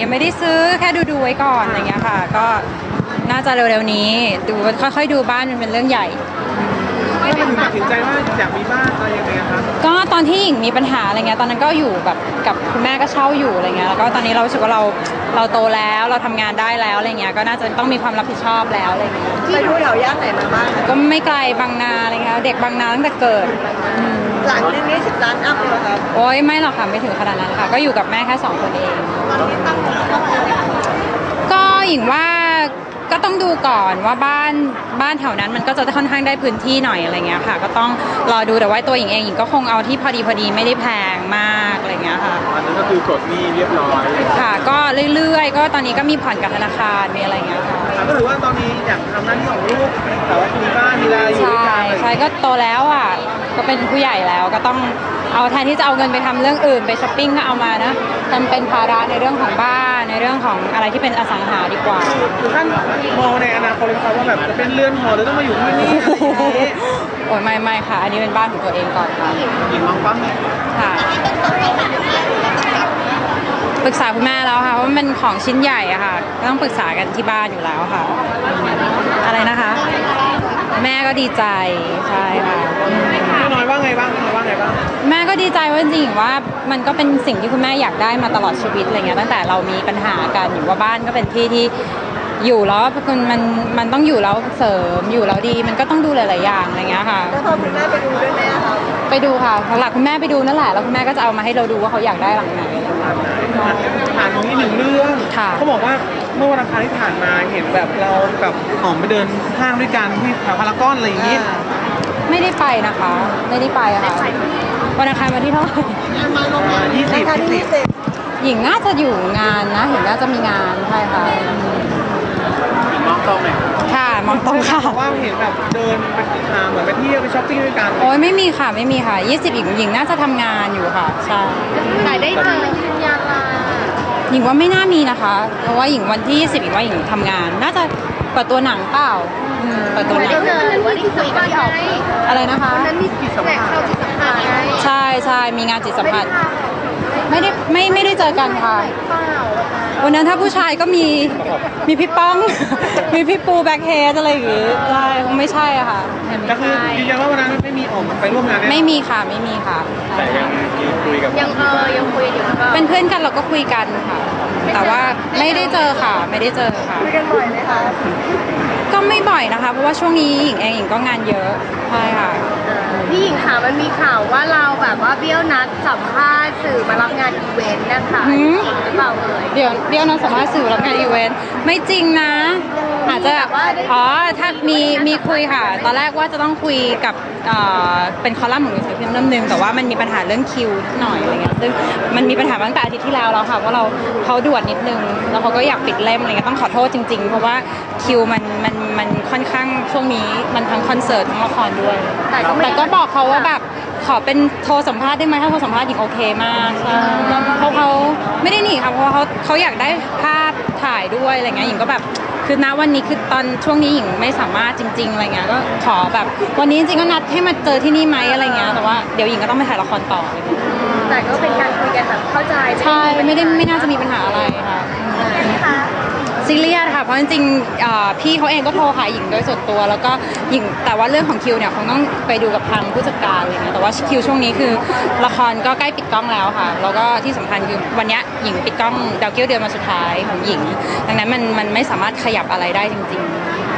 ยังไม่ได้ซื้อแค่ดูไว้ก่อนอะไรเงี้ยค่ะก็น่าจะเร็วๆนี้ดูค่อยๆดูบ้านมันเป็นเรื่องใหญ่แล้วมันถึงตัดสินใจว่าอยากมีบ้านอะไรยังไงครับก็ตอนที่หญิงมีปัญหาอะไรเงี้ยตอนนั้นก็อยู่แบบกับคุณแม่ก็เช่าอยู่อะไรเงี้ยแล้วก็ตอนนี้เรารู้สึกว่าเราโตแล้วเราทำงานได้แล้วอะไรเงี้ยก็น่าจะต้องมีความรับผิดชอบแล้วอะไรเงี้ยไปดูแถวย่านไหนมาบ้างก็ไม่ไกลบางนาอะไรเงี้ยเด็กบางนาตั้งแต่เกิดหลังนึงนี้10 ล้านอัพเลยครับโอ้ยไม่หรอกค่ะไม่ถึงขนาดนั้นค่ะก็อยู่กับแม่แค่2 คนเองตอนนี้ตั้งงบเท่าไหร่คะก็หญิงว่าก็ต้องดูก่อนว่าบ้านแถวนั้นมันก็จะค่อนข้างได้พื้นที่หน่อยอะไรเงี้ยค่ะก็ต้องรอดูแต่ว่าตัวหญิงเองหญิงก็คงเอาที่พอดีไม่ได้แพงมากอะไรเงี้ยค่ะอันนั้นก็คือกดหนี้เรียบร้อยค่ะก็เรื่อยๆก็ตอนนี้ก็มีผ่อนกับธนาคารมีอะไรเงี้ยค่ะก็ถือว่าตอนนี้อยากทำหน้าที่ของลูกแต่ว่ามีบ้านมีอะไรอยู่ด้วยกันใช่ก็โตแล้วอ่ะก็เป็นผู้ใหญ่แล้วก็ต้องเอาแทนที่จะเอาเงินไปทำเรื่องอื่นไปช้อปปิ้งก็เอามานะทำเป็นภาระในเรื่องของบ้านในเรื่องของอะไรที่เป็นอสังหาดีกว่าคือท่านมองในอนาคตเลยครับว่าแบบจะเป็นเรือนหอหรือต้องมาอยู่ที่นี่โอ้ยไม่ค่ะอันนี้เป็นบ้านของตัวเองก่อนค่ะหญิงมองปั๊มค่ะปรึกษาคุณแม่แล้วค่ะว่ามันของชิ้นใหญ่อะค่ะก็ต้องปรึกษากันที่บ้านอยู่แล้วค่ะอะไรนะคะแม่ก็ดีใจใช่ค่ะน้อยว่าไงบ้างแม่ก็ดีใจว่าจริงๆว่ามันก็เป็นสิ่งที่คุณแม่อยากได้มาตลอดชีวิตอะไรเงี้ยตั้งแต่เรามีปัญหากันอยู่ว่าบ้านก็เป็นที่ที่อยู่แล้วมันต้องอยู่แล้วเสริมอยู่แล้วดีมันก็ต้องดูหลายๆอย่างอะไรเงี้ยค่ะแล้วพอคุณแม่ไปดูด้วยไหมคะไปดูค่ะหลักคุณแม่ไปดูนั่นแหละแล้วคุณแม่ก็จะเอามาให้เราดูว่าเขาอยากได้หลังไหนผ่านตรงนี้1 เรื่องเขาบอกว่าเมื่อวันอังคารที่ผ่านมาเห็นแบบเรากับหอมไปเดินห้างด้วยกันที่แถวพารากอนอะไรอย่างนี้ไม่ได้ไปนะคะไม่ได้ไปค่ะวันอังคารวันที่เท่าไหร่ 20 หญิงน่าจะอยู่งานนะหญิงน่าจะมีงานใช่ค่ะมองตรงเลยค่ะมองตรงค่ะว่าเห็นแบบเดินไปหาเหมือนไปเที่ยวไปช้อปปิ้งด้วยกันโอ้ยไม่มีค่ะ20หญิงน่าจะทำงานอยู่ค่ะใช่แต่ได้เจอยืนยันละหญิงว่าไม่น่ามีนะคะเพราะว่าหญิงวันที่20หญิงว่าหญิงทำงานน่าจะเปิดตัวหนังเปล่าเปิดตัวหนังหรือว่าได้คุยกันที่ออกอะไรนะคะวันนั้นมีจิตสัมผัสใช่มีงานจิตสัมผัสไม่ได้เจอกันค่ะวันนั้นถ้าผู้ชายก็มีพี่ป้องมีพี่ปูแบ็คเฮดอะไรอย่างงี้ใช่คงไม่ใช่อะค่ะก็คือยืนยันว่าวันนั้นไม่มีออกไปร่วมงานไม่มีค่ะแต่ยังคุยกับยังคุยอยู่เป็นเพื่อนกันเราก็คุยกันค่ะแต่ว่าไม่ได้เจอค่ะคุยกันบ่อยไหมคะก็ไม่บ่อยนะคะเพราะว่าช่วงนี้หญิงก็งานเยอะใช่ค่ะพี่หญิงค่ะมันมีข่าวว่าเราแบบว่าเบี้ยวนัดสัมภาษณ์สื่อมารับงานอีเวนต์นะคะหรือเปล่าเดี๋ยวเบี้ยวนัดสัมภาษณ์สื่อรับงานอีเวนต์ไม่จริงนะอาจจะถ้ามีคุยค่ะตอนแรกว่าจะต้องคุยกับเป็นคอลัมน์ของหนังสือพิมพ์เล่มนึงแต่ว่ามันมีปัญหาเรื่องคิวหน่อยอะไรเงี้ยซึ่งมันมีปัญหาตั้งแต่อาทิตย์ที่แล้วค่ะว่าเขาด่วนนิดนึงแล้วเขาก็อยากปิดเล่มอะไรเงี้ยต้องขอโทษจริงๆเพราะว่าคิวมันค่อนข้างช่วงนี้มันทั้งคอนเสิร์ตทั้งละครด้วยแต่ก็บอกเขาว่าแบบขอเป็นโทรสัมภาษณ์ได้ไหมถ้าโทรสัมภาษณ์หญิงโอเคมากใช่เพราะเขาไม่ได้หนีค่ะเพราะเขาอยากได้ภาพถ่ายด้วยอะไรเงี้ยหญิงก็แบบคือณวันนี้คือตอนช่วงนี้หญิงไม่สามารถจริงๆอะไรเงี้ยก็ขอแบบวันนี้จริงๆก็นัดให้มาเจอที่นี่ไหมอะไรเงี้ยแต่ว่าเดี๋ยวหญิงก็ต้องไปถ่ายละครต่อเลยแต่ก็เป็นการคุยกันแบบเข้าใจใช่ไม่น่าจะมีปัญหาอะไรค่ะซีเรียสค่ะเพราะจริงๆพี่เขาเองก็โทรหาหญิงโดยส่วนตัวแล้วก็หญิงแต่ว่าเรื่องของคิวเนี่ยคงต้องไปดูกับทางผู้จัดการอะไรเงี้ยแต่ว่าคิวช่วงนี้คือละครก็ใกล้ปิดกล้องแล้วค่ะแล้วก็ที่สำคัญคือวันนี้หญิงปิดกล้องดาวเกี้ยวเดือนมาสุดท้ายของหญิงดังนั้นมันไม่สามารถขยับอะไรได้จริงๆ